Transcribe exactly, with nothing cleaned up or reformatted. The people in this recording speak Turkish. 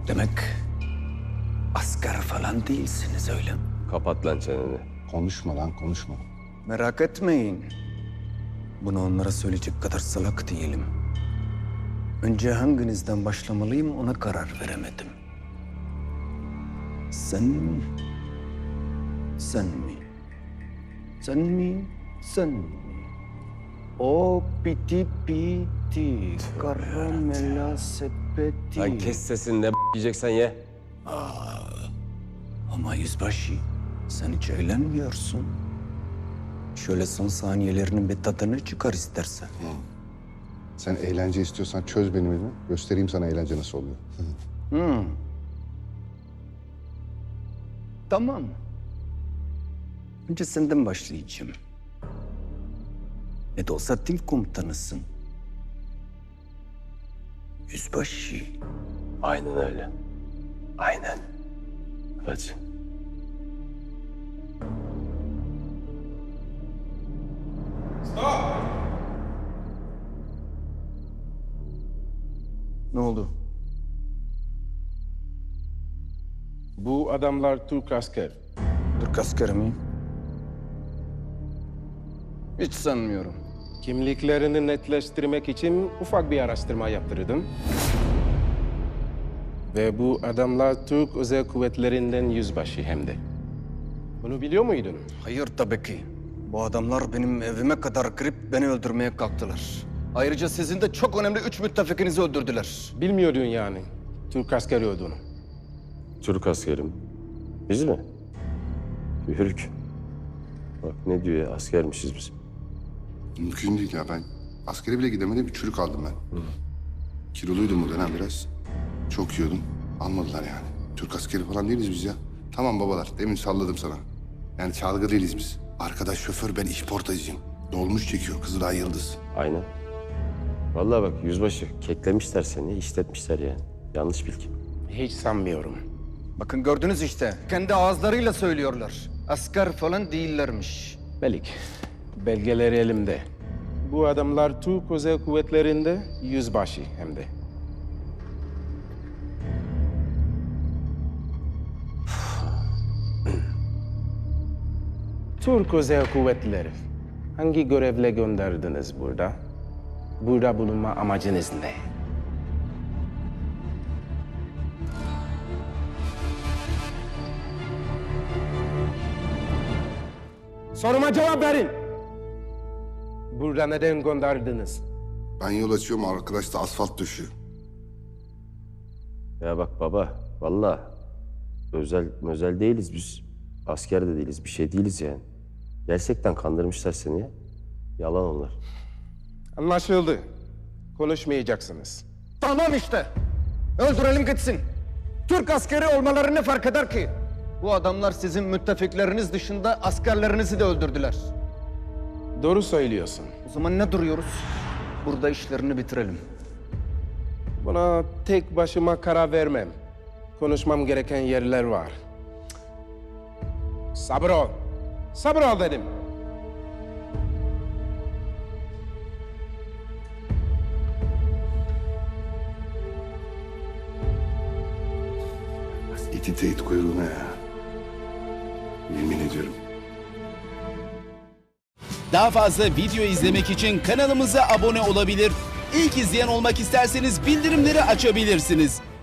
Demek asker falan değilsiniz öyle mi? Kapat lan çeneni. Konuşma lan konuşma. Merak etmeyin. Bunu onlara söyleyecek kadar salak değilim. Önce hanginizden başlamalıyım ona karar veremedim. Sen mi? Sen mi? Sen mi? Sen mi? O piti piti karamela sepeti. Lan kes sesini ne b- yiyeceksen ye. Ama yüzbaşı sen hiç eğlenmiyorsun. Şöyle son saniyelerinin bir tadını çıkar istersen. Sen eğlence istiyorsan çöz benim elimi. Göstereyim sana eğlence nasıl oluyor. Hmm. Tamam. Önce senden başlayacağım. Ne de olsa tim komutanısın. Yüzbaşı. Aynen öyle. Aynen. Hadi. Ne oldu? Bu adamlar Türk asker. Türk askeri mi? Hiç sanmıyorum. Kimliklerini netleştirmek için ufak bir araştırma yaptırdım. Ve bu adamlar Türk Özel Kuvvetlerinden yüzbaşı hem de. Bunu biliyor muydun? Hayır tabii ki. Bu adamlar benim evime kadar girip beni öldürmeye kalktılar. Ayrıca sizin de çok önemli üç müttefikinizi öldürdüler. Bilmiyordun yani Türk askeri olduğunu. Türk askerim. Biz mi? Yürük. Bak ne diyor ya, askermişiz biz. Mümkün değil ya ben. Askere bile gidemedim bir çürük aldım ben. Kiloluydum o dönem biraz. Çok yiyordum. Almadılar yani. Türk askeri falan değiliz biz ya. Tamam babalar demin salladım sana. Yani çalgı değiliz biz. Arkadaş şoför ben işportacıyım. Dolmuş çekiyor Kızılay Yıldız. Aynen. Vallahi bak yüzbaşı keklemişler seni, işletmişler yani. Yanlış bilgi. Hiç sanmıyorum. Bakın gördünüz işte. Kendi ağızlarıyla söylüyorlar. Asker falan değillermiş. Melik, belgeleri elimde. Bu adamlar Türk Özel Kuvvetleri'nde yüzbaşı hem de. Türk Özel Kuvvetleri. Hangi görevle gönderdiniz burada? Burada bulunma amacınız ne? Soruma cevap verin. Burada neden gönderdiniz? Ben yol açıyorum arkadaş da asfalt döşüyor. Ya bak baba, vallahi özel özel değiliz biz. Asker de değiliz, bir şey değiliz yani. Gerçekten kandırmışlar seni ya. Yalan onlar. Anlaşıldı. Konuşmayacaksınız. Tamam işte. Öldürelim gitsin. Türk askeri olmaları ne fark eder ki? Bu adamlar sizin müttefikleriniz dışında askerlerinizi de öldürdüler. Doğru söylüyorsun. O zaman ne duruyoruz? Burada işlerini bitirelim. Buna tek başıma karar vermem. Konuşmam gereken yerler var. Sabır ol. Sabır ol dedim. İti teyit kuyruğuna ya. Yemin ediyorum. Daha fazla video izlemek için kanalımıza abone olabilir. İlk izleyen olmak isterseniz bildirimleri açabilirsiniz.